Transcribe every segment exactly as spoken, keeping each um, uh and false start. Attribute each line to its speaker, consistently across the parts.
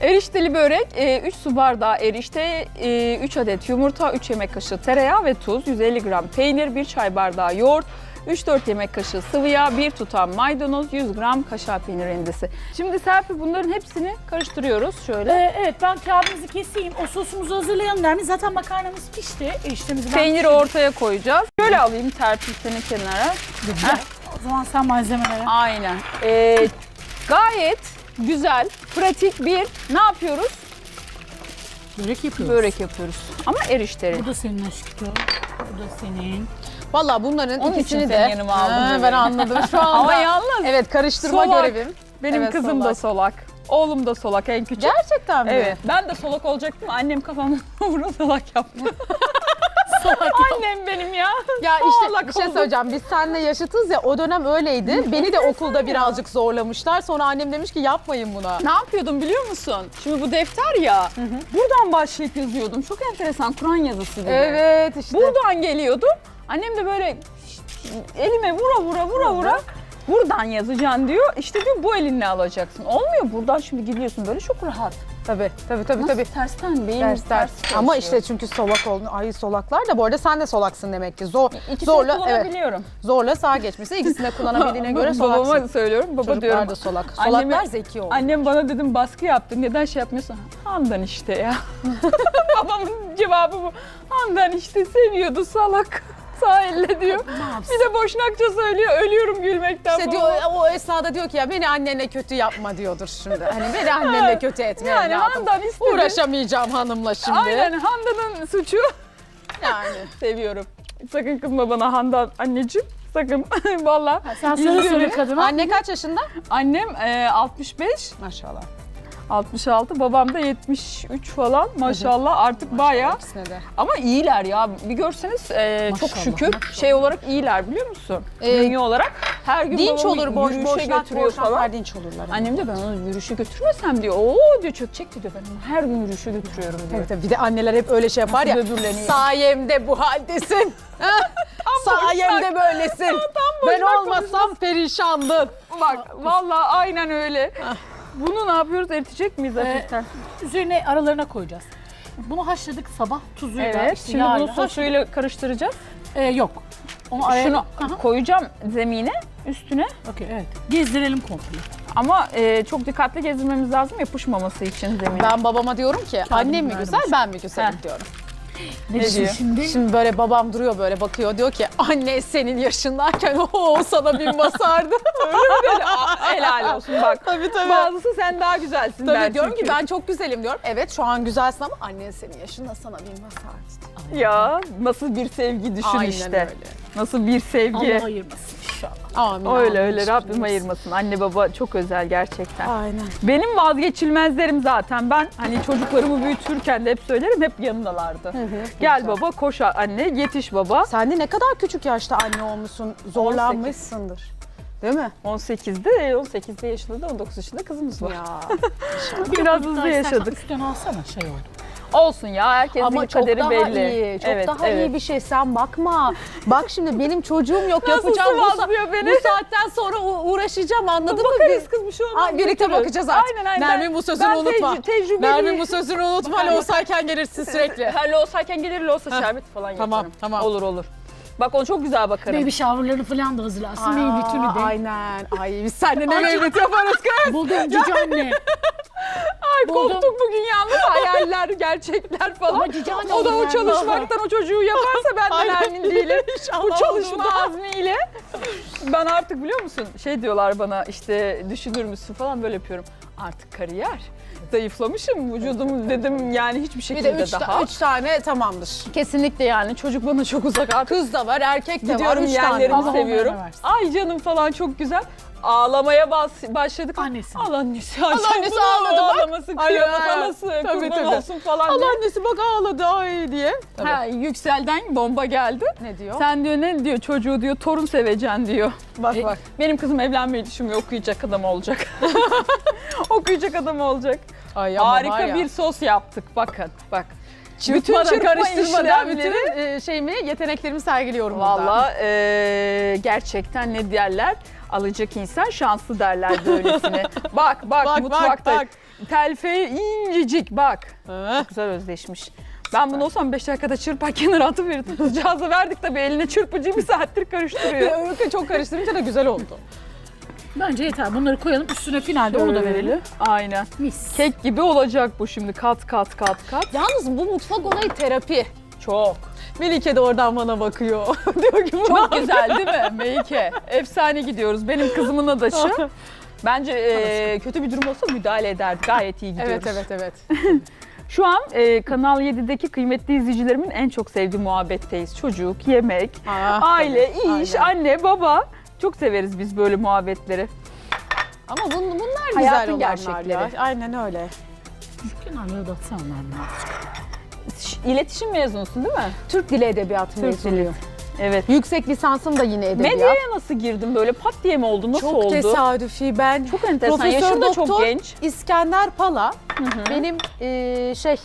Speaker 1: Erişteli börek, üç su bardağı erişte, üç adet yumurta, üç yemek kaşığı tereyağı ve tuz, yüz elli gram peynir, bir çay bardağı yoğurt, üç dört yemek kaşığı sıvı yağ, bir tutam maydanoz, yüz gram kaşar peynir rendesi. Şimdi Serpil bunların hepsini karıştırıyoruz şöyle.
Speaker 2: Ee, evet ben kağıdımızı keseyim. O sosumuzu hazırlayalım dermiş. Zaten makarnamız pişti. Eriştemizi ben
Speaker 1: Peyniri
Speaker 2: pişirdim.
Speaker 1: ortaya koyacağız. Şöyle alayım Serpil seni kenara.
Speaker 2: Güzel. O zaman sen malzemelere.
Speaker 1: Aynen. Ee, gayet güzel, pratik bir ne yapıyoruz?
Speaker 2: Börek yapıyoruz.
Speaker 1: Börek yapıyoruz. Ama erişteli.
Speaker 2: Bu da senin aşkım. Bu da senin.
Speaker 3: Valla bunların
Speaker 1: Onun için
Speaker 3: ikisini de
Speaker 1: seni yanıma aldım
Speaker 3: Ha,
Speaker 1: bebeğim.
Speaker 3: ben anladım şu anda.
Speaker 1: Ama yalnız
Speaker 3: Evet, karıştırma
Speaker 1: solak.
Speaker 3: görevim.
Speaker 1: Benim
Speaker 3: Evet,
Speaker 1: kızım da solak. Oğlum da solak en küçük.
Speaker 3: Gerçekten mi?
Speaker 1: Evet. Ben de solak olacaktım. Annem kafamdan vura solak yaptı.
Speaker 2: Salak.
Speaker 1: Annem benim ya.
Speaker 3: Ya işte
Speaker 1: Solak
Speaker 3: bir şey
Speaker 1: oldum.
Speaker 3: söyleyeceğim. Biz seninle yaşıtız ya, o dönem öyleydi. Beni de okulda birazcık zorlamışlar. Sonra annem demiş ki yapmayın buna.
Speaker 1: Ne yapıyordum biliyor musun? Şimdi bu defter ya. Buradan başlayıp yazıyordum. Çok enteresan Kur'an yazısı gibi.
Speaker 3: Evet işte.
Speaker 1: Buradan geliyordum. Annem de böyle elime vura vura vura vura buradan yazacaksın diyor. İşte diyor bu elinle alacaksın. Olmuyor buradan şimdi gidiyorsun böyle çok rahat.
Speaker 3: Tabii tabii tabii.
Speaker 1: Nasıl
Speaker 3: tabii.
Speaker 1: tersten beyin
Speaker 3: Ders,
Speaker 1: ters,
Speaker 3: ders.
Speaker 1: çalışıyor.
Speaker 3: Ama işte çünkü solak oldun. Ay solaklar da bu arada sen de solaksın demek ki. Zor,
Speaker 1: İkisini
Speaker 3: zorla evet.
Speaker 1: kullanabiliyorum.
Speaker 3: Zorla sağa geçmişse ikisini de kullanabildiğine göre
Speaker 1: Babama
Speaker 3: solaksın.
Speaker 1: söylüyorum. Baba
Speaker 3: Çocuklar
Speaker 1: diyorum.
Speaker 3: da solak.
Speaker 1: Anneme-
Speaker 3: Solaklar zeki oldu.
Speaker 1: Annem bana dedim baskı yaptı. Neden şey yapmıyorsun? Handan işte ya. Babamın cevabı bu. Handan işte seviyordu salak. Sağ elle diyor. Bir de boşnakça söylüyor. Ölüyorum gülmekten.
Speaker 3: İşte
Speaker 1: baba.
Speaker 3: diyor, o esnada diyor ki ya beni annenle kötü yapma diyordur şimdi. Hani beni annenle kötü etme.
Speaker 1: Yani
Speaker 3: evladım.
Speaker 1: Handan istedi.
Speaker 3: Uğraşamayacağım hanımla şimdi.
Speaker 1: Aynen Handan'ın suçu.
Speaker 3: Yani.
Speaker 1: Seviyorum. Sakın kızma bana Handan anneciğim. Sakın. Vallahi.
Speaker 2: Sen söyle
Speaker 1: İzliyorum.
Speaker 2: söyle kadına.
Speaker 3: Anne kaç yaşında?
Speaker 1: Annem e, altmış beş,
Speaker 3: Maşallah.
Speaker 1: altmış altı, babam da yetmiş üç falan. Maşallah artık bayağı.
Speaker 3: İkisine de.
Speaker 1: Ama iyiler ya. Bir görseniz e, çok
Speaker 2: Maşallah,
Speaker 1: şükür
Speaker 2: maşallah.
Speaker 1: şey olarak iyiler biliyor musun?
Speaker 3: Ee,
Speaker 1: Bünye olarak. Her gün
Speaker 3: Dinç
Speaker 1: babamı
Speaker 3: olur, boş
Speaker 1: yürüyüşe
Speaker 3: boşnak
Speaker 1: götürüyor
Speaker 3: boşnaklar
Speaker 1: falan.
Speaker 3: dinç olurlar.
Speaker 1: Annem de ben onu yürüyüşe götürmesem diyor. Oo diyor çökecek diyor ben onu her gün yürüyüşe götürüyorum diyor.
Speaker 3: Tabii tabii. Bir de anneler hep öyle şey yapar ya.
Speaker 1: Nasıl böbürleniyor?
Speaker 3: Sayemde bu haldesin. Sayemde böylesin. Ben
Speaker 1: boşnak
Speaker 3: olmasam perişandın.
Speaker 1: Bak vallahi aynen öyle. Bunu ne yapıyoruz? Eritecek miyiz hafiften?
Speaker 2: Üzerine aralarına koyacağız. Bunu haşladık sabah tuzuyla.
Speaker 1: Evet.
Speaker 2: işte
Speaker 1: Şimdi
Speaker 2: yağıyla
Speaker 1: bunu
Speaker 2: haşladık.
Speaker 1: sosuyla karıştıracağız.
Speaker 2: Ee, yok. Onu araya...
Speaker 1: Şunu
Speaker 2: Aha.
Speaker 1: koyacağım zemine, üstüne.
Speaker 2: Okey evet. Gezdirelim komple.
Speaker 1: Ama e, çok dikkatli gezdirmemiz lazım yapışmaması için zemine.
Speaker 3: Ben babama diyorum ki annem mi
Speaker 2: verdim
Speaker 3: güzel
Speaker 2: işte.
Speaker 3: ben mi güzelim
Speaker 1: Heh.
Speaker 3: diyorum.
Speaker 2: Ne,
Speaker 1: diyor?
Speaker 2: diyor şimdi?
Speaker 3: Şimdi böyle babam duruyor böyle bakıyor diyor ki anne senin yaşındayken o sana bin basardı.
Speaker 1: Böyle, aa, helal olsun bak.
Speaker 3: Tabii tabii.
Speaker 1: Bazısı sen daha güzelsin der
Speaker 3: Tabii diyorum
Speaker 1: çünkü.
Speaker 3: ki ben çok güzelim diyorum. Evet şu an güzelsin ama annen senin yaşında sana bin basardı.
Speaker 1: Ya nasıl bir sevgi düşün
Speaker 3: Aynen
Speaker 1: işte.
Speaker 3: öyle.
Speaker 1: Nasıl bir sevgi.
Speaker 2: Allah ayırmasın inşallah.
Speaker 3: Amin.
Speaker 1: Öyle
Speaker 3: amin.
Speaker 1: öyle Rabbim ayırmasın. Anne baba çok özel gerçekten.
Speaker 3: Aynen.
Speaker 1: Benim vazgeçilmezlerim zaten. Ben hani çocuklarımı büyütürken de hep söylerim hep yanındalardı. Gel
Speaker 3: güzel.
Speaker 1: baba koş anne yetiş baba.
Speaker 3: Sen de ne kadar küçük yaşta anne olmuşsun, zorlanmışsındır. Değil mi?
Speaker 1: on sekizde, on sekizde yaşında da on dokuz yaşında kızımız var.
Speaker 3: Ya.
Speaker 1: Biraz
Speaker 2: Daha
Speaker 1: hızlı
Speaker 2: istersen
Speaker 1: yaşadık.
Speaker 2: Üstten alsana şey oldu.
Speaker 1: Olsun ya herkesin
Speaker 3: Ama
Speaker 1: bir
Speaker 3: çok
Speaker 1: kaderi
Speaker 3: daha
Speaker 1: belli.
Speaker 3: iyi, çok
Speaker 1: Evet,
Speaker 3: daha
Speaker 1: evet.
Speaker 3: iyi bir şey. Sen bakma. Bak şimdi benim çocuğum yok
Speaker 1: Nasıl
Speaker 3: yapacağım. Bu, sa-
Speaker 1: sıvazlıyor beni?
Speaker 3: bu saatten sonra u- uğraşacağım anladın mı?
Speaker 1: Bakarız kız bir şey olmaz.
Speaker 3: Ay, birlikte
Speaker 1: götürürüz.
Speaker 3: bakacağız artık.
Speaker 1: Aynen aynen.
Speaker 3: Nermin
Speaker 1: Ben-
Speaker 3: bu sözünü
Speaker 1: ben
Speaker 3: unutma.
Speaker 1: tecrü- tecrübeliyim.
Speaker 3: Nermin bu sözünü unutma.
Speaker 1: Bakar
Speaker 3: Loğusayken gelirsin sürekli.
Speaker 1: Her loğusayken gelir loğusa şerbet falan yaparım.
Speaker 3: Tamam, tamam.
Speaker 1: Olur olur. Bak onu çok güzel bakarım.
Speaker 2: Baby shower'larını falan da hazırlarsın. Baby bütünü de.
Speaker 3: Aynen. Ay biz seninle ne
Speaker 2: Ay,
Speaker 3: mevlüt yaparız kız.
Speaker 2: Buldum cici anne.
Speaker 1: Ay
Speaker 2: buldum.
Speaker 1: koptuk bugün yalnız hayaller, gerçekler falan.
Speaker 2: Ama cici anne
Speaker 1: O da o
Speaker 2: olur yani.
Speaker 1: çalışmaktan o çocuğu yaparsa ben de
Speaker 3: Aynen.
Speaker 1: Nermin değilim. Bu
Speaker 3: İnşallah
Speaker 1: çalışma
Speaker 3: olduğunda.
Speaker 1: azmiyle. Ben artık biliyor musun şey diyorlar bana işte düşünür müsün falan böyle yapıyorum. Artık kariyer. Zayıflamışım vücudum dedim yani hiçbir
Speaker 3: Bir
Speaker 1: şekilde
Speaker 3: de üç,
Speaker 1: daha.
Speaker 3: ta- üç tane tamamdır.
Speaker 1: Kesinlikle yani çocuk bana çok uzak artık.
Speaker 3: Kız da var, erkek de var.
Speaker 1: Gidiyorum
Speaker 3: Üç tane
Speaker 1: yerlerimi
Speaker 3: var.
Speaker 2: Allah
Speaker 1: seviyorum.
Speaker 2: onlara versin.
Speaker 1: Ay canım falan çok güzel. Ağlamaya bas- başladık.
Speaker 2: Annesi.
Speaker 1: Al annesi. Ay
Speaker 3: Al
Speaker 1: sen
Speaker 3: annesi
Speaker 1: bunu
Speaker 3: ağladı bak.
Speaker 1: Ağlaması,
Speaker 3: Ay,
Speaker 1: kıyamet
Speaker 3: ay.
Speaker 1: anası,
Speaker 3: Tabii,
Speaker 1: kurban
Speaker 3: tabii.
Speaker 1: olsun falan
Speaker 3: Allah
Speaker 1: diye.
Speaker 3: annesi bak ağladı ay diye.
Speaker 1: Ha, Yüksel'den bomba geldi.
Speaker 3: Ne diyor?
Speaker 1: Sen diyor ne diyor çocuğu diyor torun seveceksin diyor.
Speaker 3: Bak
Speaker 1: E,
Speaker 3: bak.
Speaker 1: Benim kızım evlenmeyi düşünmüyor okuyacak adam olacak. Okuyacak adam olacak.
Speaker 3: Ay, ama var
Speaker 1: Harika
Speaker 3: ya.
Speaker 1: bir sos yaptık bakın bak.
Speaker 3: Çırpmadan,
Speaker 1: çırpma
Speaker 3: karıştırmadan
Speaker 1: işlemleri-
Speaker 3: bütün e, şeyimi, yeteneklerimi sergiliyorum burada.
Speaker 1: Valla e, gerçekten ne derler? Alacak insan şanslı derler böylesine. bak bak,
Speaker 3: Bak,
Speaker 1: mutfakta.
Speaker 3: bak,
Speaker 1: telfeği incecik bak.
Speaker 3: Heh.
Speaker 1: Güzel özleşmiş. Ben bunu olsam beş dakikada çırpar kenara atıverirdim. Kızcağıza verdik tabii, eline çırpıcı bir saattir karıştırıyor.
Speaker 3: Öykü çok karıştırınca da güzel oldu.
Speaker 2: Bence yeter. Bunları koyalım. Üstüne finalde onu da verelim.
Speaker 1: Aynen.
Speaker 2: Mis.
Speaker 1: Kek gibi olacak bu şimdi, kat kat kat kat.
Speaker 3: Yalnız bu mutfak olayı terapi.
Speaker 1: Çok.
Speaker 3: Melike de oradan bana bakıyor. Diyor ki bu
Speaker 1: Çok güzel değil mi Melike? Efsane gidiyoruz. Benim kızımın adaşı. Bence e, kötü bir durum olsa müdahale ederdi. Gayet iyi gidiyoruz.
Speaker 3: Evet evet evet.
Speaker 1: Şu an e, Kanal yedi'deki kıymetli izleyicilerimin en çok sevdiği muhabbetteyiz. Çocuk, yemek,
Speaker 3: Ah,
Speaker 1: aile,
Speaker 3: tabii,
Speaker 1: iş,
Speaker 3: aynen.
Speaker 1: anne, baba. Çok severiz biz böyle muhabbetleri.
Speaker 3: Ama bun, bunlar güzel
Speaker 1: Hayatın
Speaker 3: olanlar
Speaker 1: gerçekleri.
Speaker 3: ya. Aynen öyle.
Speaker 2: Kenarlara da atsana onları.
Speaker 1: Ş- İletişim mezunusun değil mi?
Speaker 3: Türk Dili Edebiyatı
Speaker 1: Türk
Speaker 3: mezunuyum.
Speaker 1: Evet.
Speaker 3: Yüksek lisansım da yine edebiyat.
Speaker 1: Medyaya nasıl girdin böyle, pat diye mi oldu? Nasıl
Speaker 3: Çok
Speaker 1: oldu?
Speaker 3: tesadüfi. Ben
Speaker 1: Çok enteresan.
Speaker 3: Profesör
Speaker 1: Yaşın da çok
Speaker 3: Doktor
Speaker 1: genç.
Speaker 3: İskender Pala benim eee, şey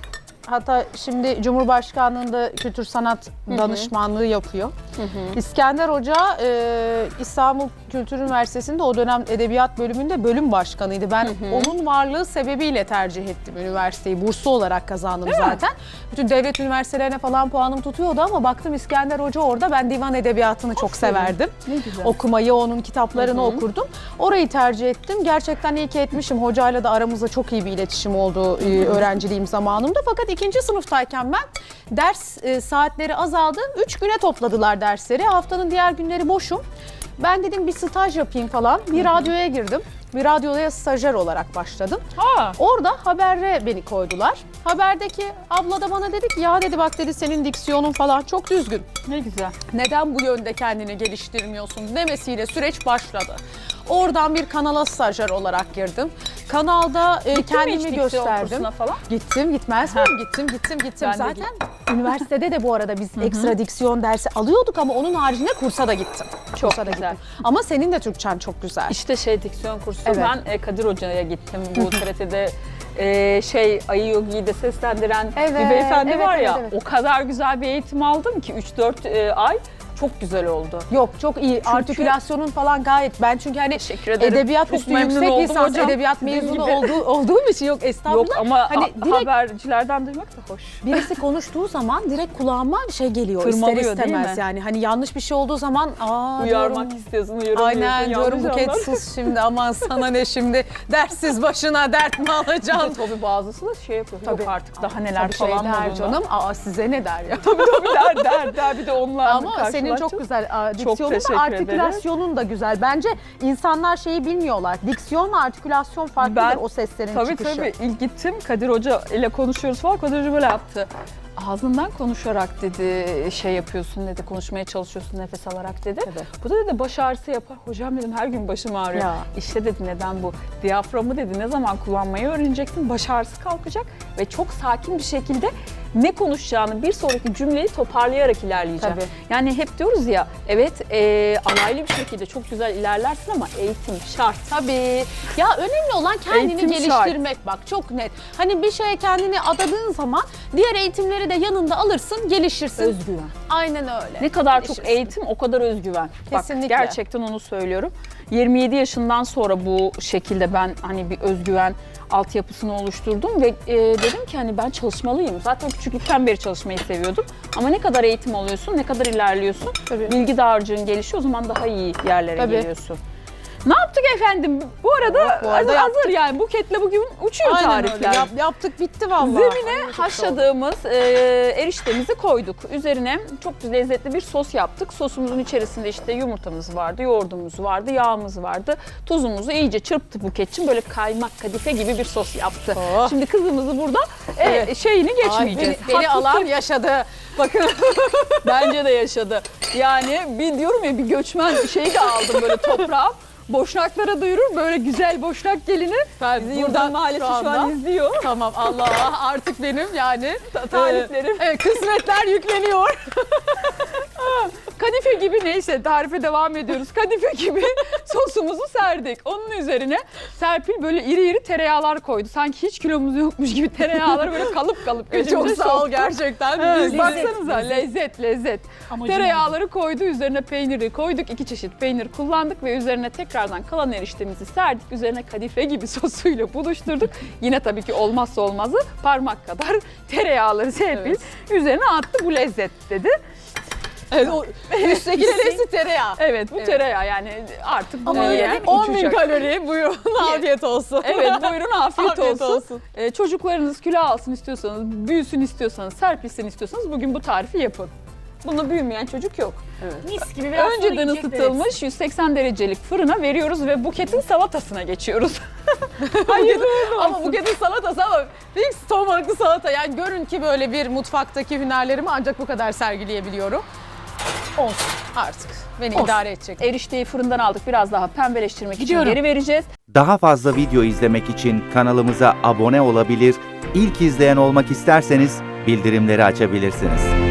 Speaker 3: hatta şimdi Cumhurbaşkanlığında kültür sanat danışmanlığı yapıyor. İskender Hoca eee, İstanbul Kültür Üniversitesi'nde o dönem edebiyat bölümünde bölüm başkanıydı. Ben onun varlığı sebebiyle tercih ettim üniversiteyi. Burslu olarak kazandım zaten. Bütün devlet üniversitelerine falan puanım tutuyordu ama baktım İskender Hoca orada. Ben divan edebiyatını çok severdim.
Speaker 1: Ne güzel.
Speaker 3: Okumayı, onun kitaplarını okurdum. Orayı tercih ettim. Gerçekten iyi ki etmişim. Hocayla da aramızda çok iyi bir iletişim oldu e, öğrenciliğim zamanımda. Fakat ikinci sınıftayken ben ders e, saatleri azaldı. Üç güne topladılar dersleri. Haftanın diğer günleri boşum. Ben dedim bir staj yapayım falan. Bir radyoya girdim. Bir radyoya stajyer olarak başladım.
Speaker 1: Ha.
Speaker 3: Orada habere beni koydular. Haberdeki abla da bana dedi ki ya dedi bak dedi senin diksiyonun falan çok düzgün.
Speaker 1: Ne güzel.
Speaker 3: Neden bu yönde kendini geliştirmiyorsun demesiyle süreç başladı. Oradan bir kanala stajyer olarak girdim. Kanalda e,
Speaker 1: Gittin mi hiç
Speaker 3: kendimi
Speaker 1: diksiyon
Speaker 3: gösterdim.
Speaker 1: kursuna falan?
Speaker 3: Gittim gitmez miyim? Gittim gittim gittim.
Speaker 1: Ben de
Speaker 3: Zaten üniversitede de bu arada biz ekstra diksiyon dersi alıyorduk ama onun haricinde kursa da gittim.
Speaker 1: Çok
Speaker 3: kursa da
Speaker 1: güzel.
Speaker 3: gittim. Ama senin de Türkçen çok güzel.
Speaker 1: İşte şey diksiyon kursu.
Speaker 3: Evet.
Speaker 1: Ben e, Kadir Hoca'ya gittim. Bu T R T'de e, şey Ayı Yogi'yi de seslendiren bir
Speaker 3: Evet,
Speaker 1: beyefendi
Speaker 3: evet,
Speaker 1: var
Speaker 3: evet,
Speaker 1: ya.
Speaker 3: evet.
Speaker 1: O kadar güzel bir eğitim aldım ki üç dört e, ay. Çok güzel oldu.
Speaker 3: Yok çok iyi. Artikülasyonun falan gayet. Ben çünkü hani
Speaker 1: Teşekkür ederim.
Speaker 3: edebiyat
Speaker 1: Çok
Speaker 3: üstü
Speaker 1: memnun
Speaker 3: yüksek
Speaker 1: oldum
Speaker 3: lisans
Speaker 1: hocam.
Speaker 3: edebiyat
Speaker 1: Dediğim
Speaker 3: mezunu
Speaker 1: gibi.
Speaker 3: olduğu, olduğum için yok estağfurullah.
Speaker 1: Yok ama
Speaker 3: hani
Speaker 1: ha-
Speaker 3: direkt
Speaker 1: habercilerden duymak da hoş.
Speaker 3: birisi konuştuğu zaman direkt kulağıma şey geliyor
Speaker 1: Tırmalıyor,
Speaker 3: ister
Speaker 1: değil
Speaker 3: istemez
Speaker 1: mi?
Speaker 3: yani. Hani yanlış bir şey olduğu zaman aa
Speaker 1: Uyarmak
Speaker 3: diyorum,
Speaker 1: istiyorsun, uyarıyorsun.
Speaker 3: aynen diyorum
Speaker 1: yanlış
Speaker 3: Buket
Speaker 1: anlar.
Speaker 3: sus şimdi aman sana ne şimdi dertsiz başına dert mi alacaksın?
Speaker 1: Tabii bazısı da şey yapıyor.
Speaker 3: Tabii.
Speaker 1: Yok artık daha neler
Speaker 3: Tabii şey
Speaker 1: falan
Speaker 3: der
Speaker 1: modunda.
Speaker 3: canım. Aa size ne der ya?
Speaker 1: Tabii der der der bir de onlarla
Speaker 3: Ama senin çok
Speaker 1: karşılaşacağız.
Speaker 3: güzel aa,
Speaker 1: Çok
Speaker 3: diksiyonun
Speaker 1: teşekkür
Speaker 3: da
Speaker 1: ederim.
Speaker 3: artikülasyonun da güzel. Bence insanlar şeyi bilmiyorlar. Diksiyonla artikülasyon farklıdır
Speaker 1: Ben-
Speaker 3: o seslerin
Speaker 1: Tabii
Speaker 3: çıkışı.
Speaker 1: tabii. İlk gittim Kadir Hoca ile konuşuyoruz falan. Kadir Hoca böyle yaptı. Ağzından konuşarak dedi şey yapıyorsun dedi, konuşmaya çalışıyorsun nefes alarak dedi.
Speaker 3: Tabii.
Speaker 1: Bu da dedi baş ağrısı yapar. Hocam dedim her gün başım ağrıyor.
Speaker 3: Ya.
Speaker 1: İşte dedi neden bu? Diyaframı dedi ne zaman kullanmayı öğreneceksin, baş ağrısı kalkacak ve çok sakin bir şekilde ne konuşacağını bir sonraki cümleyi toparlayarak ilerleyeceğim.
Speaker 3: Tabii.
Speaker 1: Yani hep diyoruz ya evet e, alaylı bir şekilde çok güzel ilerlersin ama eğitim şart.
Speaker 3: Tabii. Ya önemli olan kendini
Speaker 1: Eğitim
Speaker 3: geliştirmek bak çok net. Hani bir şeye kendini adadığın zaman diğer eğitimleri de yanında alırsın, gelişirsin.
Speaker 1: Özgüven.
Speaker 3: Aynen öyle.
Speaker 1: Ne kadar çok
Speaker 3: Gelişirsin.
Speaker 1: eğitim o kadar özgüven.
Speaker 3: Kesinlikle.
Speaker 1: Bak gerçekten onu söylüyorum. yirmi yedi yaşından sonra bu şekilde ben hani bir özgüven altyapısını oluşturdum ve e, dedim ki hani ben çalışmalıyım. Zaten küçüklükten beri çalışmayı seviyordum. Ama ne kadar eğitim alıyorsun, ne kadar ilerliyorsun,
Speaker 3: Tabii.
Speaker 1: bilgi dağarcığın gelişiyor o zaman daha iyi yerlere
Speaker 3: Tabii.
Speaker 1: geliyorsun. Ne yaptık efendim? Bu arada,
Speaker 3: Bu arada
Speaker 1: hazır, hazır yani buketle bugün uçuyor
Speaker 3: Aynen öyle.
Speaker 1: tarifler.
Speaker 3: Yap- yaptık bitti vallahi.
Speaker 1: Zemine
Speaker 3: Ay, çok
Speaker 1: haşladığımız e, eriştemizi koyduk. Üzerine çok lezzetli bir sos yaptık. Sosumuzun içerisinde işte yumurtamız vardı, yoğurdumuz vardı, yağımız vardı. Tuzumuzu iyice çırptı Buketçim. Böyle kaymak kadife gibi bir sos yaptı.
Speaker 3: Oh.
Speaker 1: Şimdi kızımızı burada e,
Speaker 3: Evet.
Speaker 1: şeyini
Speaker 3: Ay,
Speaker 1: geçmeyeceğiz.
Speaker 3: beni, beni
Speaker 1: Haklısın.
Speaker 3: alan yaşadı. Bakın
Speaker 1: Bence de yaşadı. Yani bir diyorum ya bir göçmen şeyi de aldım böyle toprağa. Boşnaklara duyurur böyle güzel Boşnak gelini.
Speaker 3: ben
Speaker 1: Bizi Yurdan Mahallesi şu,
Speaker 3: anda-
Speaker 1: an izliyor.
Speaker 3: Tamam Allah artık benim yani
Speaker 1: Taliplerim.
Speaker 3: Evet, kısmetler yükleniyor.
Speaker 1: Kadife gibi, neyse tarife devam ediyoruz. Kadife gibi sosumuzu serdik. Onun üzerine Serpil böyle iri iri tereyağlar koydu. Sanki hiç kilomuz yokmuş gibi tereyağları böyle kalıp kalıp gözümüze
Speaker 3: Çok sağ ol
Speaker 1: soktu.
Speaker 3: gerçekten.
Speaker 1: Evet,
Speaker 3: Biz-
Speaker 1: baksanıza lezzet lezzet.
Speaker 2: Amacım
Speaker 1: Tereyağları koydu, üzerine peyniri koyduk. İki çeşit peynir kullandık ve üzerine tekrardan kalan eriştemizi serdik. Üzerine kadife gibi sosuyla buluşturduk. Yine tabii ki olmazsa olmazı parmak kadar tereyağları Serpil üzerine attı. Bu lezzet dedi.
Speaker 3: Evet, o üstteki hepsi tereyağı.
Speaker 1: Evet bu
Speaker 3: Evet.
Speaker 1: tereyağı yani artık bunu
Speaker 2: Ama öyle
Speaker 1: yiyen
Speaker 2: değil mi?
Speaker 3: on bin
Speaker 1: uçacak.
Speaker 3: kalori buyurun afiyet olsun.
Speaker 1: Evet buyurun afiyet,
Speaker 3: Afiyet
Speaker 1: olsun.
Speaker 3: olsun.
Speaker 1: Ee, çocuklarınız kilo alsın istiyorsanız, büyüsün istiyorsanız, serpilsin istiyorsanız bugün bu tarifi yapın. Bunu büyümeyen çocuk yok.
Speaker 2: Mis gibi biraz sonra
Speaker 1: Önceden
Speaker 2: yiyecek
Speaker 1: ısıtılmış yüz seksen derecelik fırına veriyoruz ve buketin salatasına geçiyoruz. Hayırlı uğurlu
Speaker 3: Ama
Speaker 1: olsun.
Speaker 3: buketin salatası ama fix ton balıklı salata. Yani görün ki böyle bir mutfaktaki hünerlerimi ancak bu kadar sergileyebiliyorum. Olsun artık. Beni
Speaker 1: Olsun.
Speaker 3: idare edecek.
Speaker 1: Erişteyi fırından aldık, biraz daha pembeleştirmek
Speaker 2: Gidiyorum.
Speaker 1: için geri vereceğiz.
Speaker 4: Daha fazla video izlemek için kanalımıza abone olabilir, ilk izleyen olmak isterseniz bildirimleri açabilirsiniz.